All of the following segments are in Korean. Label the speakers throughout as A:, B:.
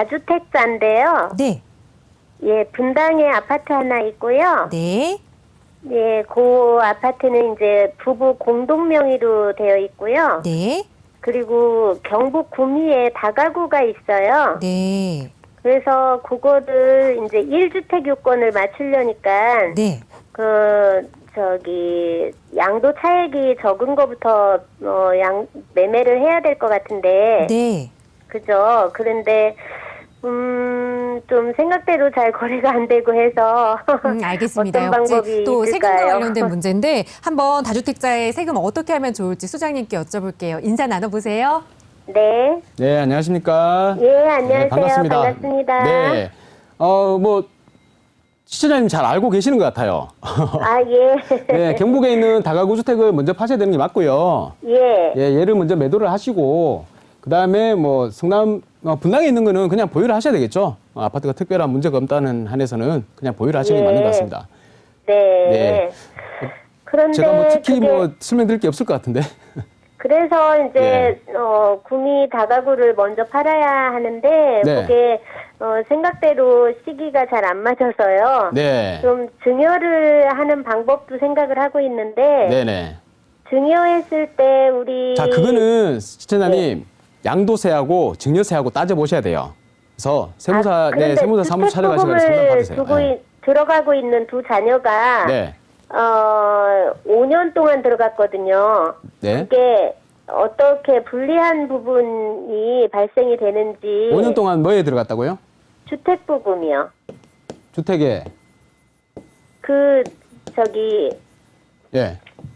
A: 다주택자인데요.
B: 네.
A: 예, 분당에 아파트 하나 있고요.
B: 네.
A: 예, 그 아파트는 이제 부부 공동 명의로 되어 있고요.
B: 네.
A: 그리고 경북 구미에 다가구가 있어요.
B: 네.
A: 그래서 그거를 이제 1주택 요건을 맞추려니까
B: 네.
A: 양도 차액이 적은 거부터 매매를 해야 될 것 같은데.
B: 네.
A: 그죠. 그런데 좀 생각대로 잘 거래가 안 되고 해서
B: 알겠습니다.
A: 어떤 방법이
B: 또 세금과
A: 있을까요?
B: 관련된 문제인데 한번 다주택자의 세금 어떻게 하면 좋을지 소장님께 여쭤볼게요. 인사 나눠보세요.
A: 네.
C: 네, 안녕하십니까?
A: 예, 안녕하세요.
C: 네, 반갑습니다.
A: 반갑습니다.
C: 네. 시청자님 잘 알고 계시는 것 같아요.
A: 아, 예.
C: 네, 경북에 있는 다가구 주택을 먼저 파셔야 되는 게 맞고요.
A: 예.
C: 예, 얘를 먼저 매도를 하시고, 그 다음에 분당에 있는 거는 그냥 보유를 하셔야 되겠죠. 아파트가 특별한 문제가 없다는 한에서는 그냥 보유를 하시는 게
A: 예.
C: 맞는 것 같습니다.
A: 네.
C: 네.
A: 그런데
C: 제가 특히
A: 그게
C: 설명드릴 게 없을 것 같은데.
A: 그래서 이제
C: 네.
A: 구미 다가구를 먼저 팔아야 하는데
C: 네.
A: 그게 생각대로 시기가 잘 안 맞아서요.
C: 네.
A: 좀 증여를 하는 방법도 생각을 하고 있는데
C: 네네.
A: 증여했을 때 우리
C: 자, 그거는 시청자님 양도세하고 증여세하고 따져보셔야 돼요. 그래서 세무사,
A: 그런데
C: 세무사 사무소 찾아가시면 상담
A: 주택부금을
C: 받으세요.
A: 두고
C: 네.
A: 들어가고 있는 두 자녀가
C: 네.
A: 5년 동안 들어갔거든요.
C: 네.
A: 그게 어떻게 불리한 부분이 발생이 되는지
C: 5년 동안 뭐에 들어갔다고요?
A: 주택부금이요.
C: 주택에. 예.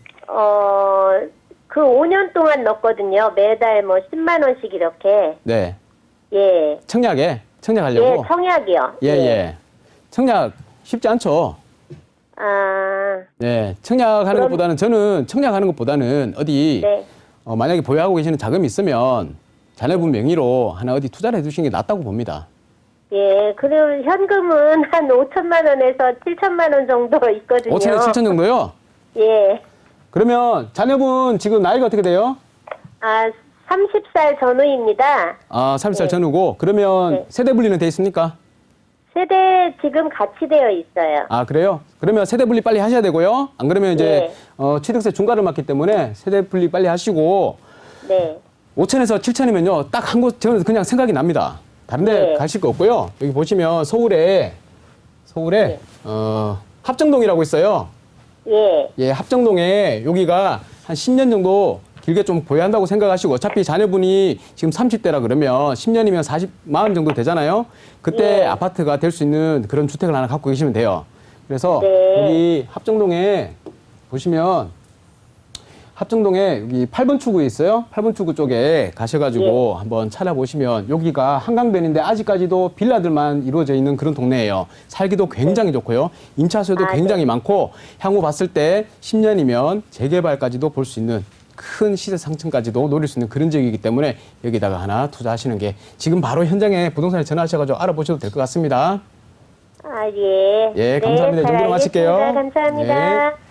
A: 그 5년 동안 넣었거든요. 매달 뭐 10만 원씩 이렇게.
C: 네.
A: 예.
C: 청약에.
A: 예,
C: 청약하려고.
A: 청약이요.
C: 예, 예. 청약 쉽지 않죠.
A: 아,
C: 네. 청약하는
A: 그럼-
C: 것보다는 저는 청약하는 것보다는 어디
A: 네.
C: 만약에 보유하고 계시는 자금이 있으면 자녀분 명의로 하나 어디 투자를 해두시는 게 낫다고 봅니다.
A: 예, 그리고 현금은 한 5천만 원에서 7천만 원 정도 있거든요.
C: 5천에 7천 정도요?
A: 예.
C: 그러면 자녀분 지금 나이가 어떻게 돼요?
A: 30살 전후입니다.
C: 30살
A: 네.
C: 전후고. 그러면
A: 네.
C: 세대 분리는 돼 있습니까?
A: 세대 지금 같이 되어 있어요.
C: 그래요? 그러면 세대 분리 빨리 하셔야 되고요. 안 그러면 이제 취득세 중과를 맞기 때문에 세대 분리 빨리 하시고
A: 네.
C: 5천에서 7천이면요. 딱 한 곳 저는 그냥 생각이 납니다. 다른 데
A: 네.
C: 가실 거 없고요. 여기 보시면 서울에
A: 네.
C: 합정동이라고 있어요.
A: 예.
C: 예, 합정동에 여기가 한 10년 정도 길게 좀 보유한다고 생각하시고 어차피 자녀분이 지금 30대라 그러면 10년이면 40만 정도 되잖아요. 그때
A: 예.
C: 아파트가 될 수 있는 그런 주택을 하나 갖고 계시면 돼요. 그래서
A: 네.
C: 여기 합정동에 보시면 합정동에 여기 8번 출구에 있어요. 8번 출구 쪽에 가셔가지고 한번 찾아보시면 여기가 한강변인데 아직까지도 빌라들만 이루어져 있는 그런 동네예요. 살기도 굉장히 좋고요. 임차수요도 굉장히 많고 향후 봤을 때 10년이면 재개발까지도 볼 수 있는 큰 시세 상승까지도 노릴 수 있는 그런 지역이기 때문에 여기다가 하나 투자하시는 게 지금 바로 현장에 부동산에 전화하셔가지고 알아보셔도 될 것 같습니다.
A: 예.
C: 예, 감사합니다. 이
A: 잘
C: 정도로 마칠게요.
A: 알겠습니다. 감사합니다.
C: 네.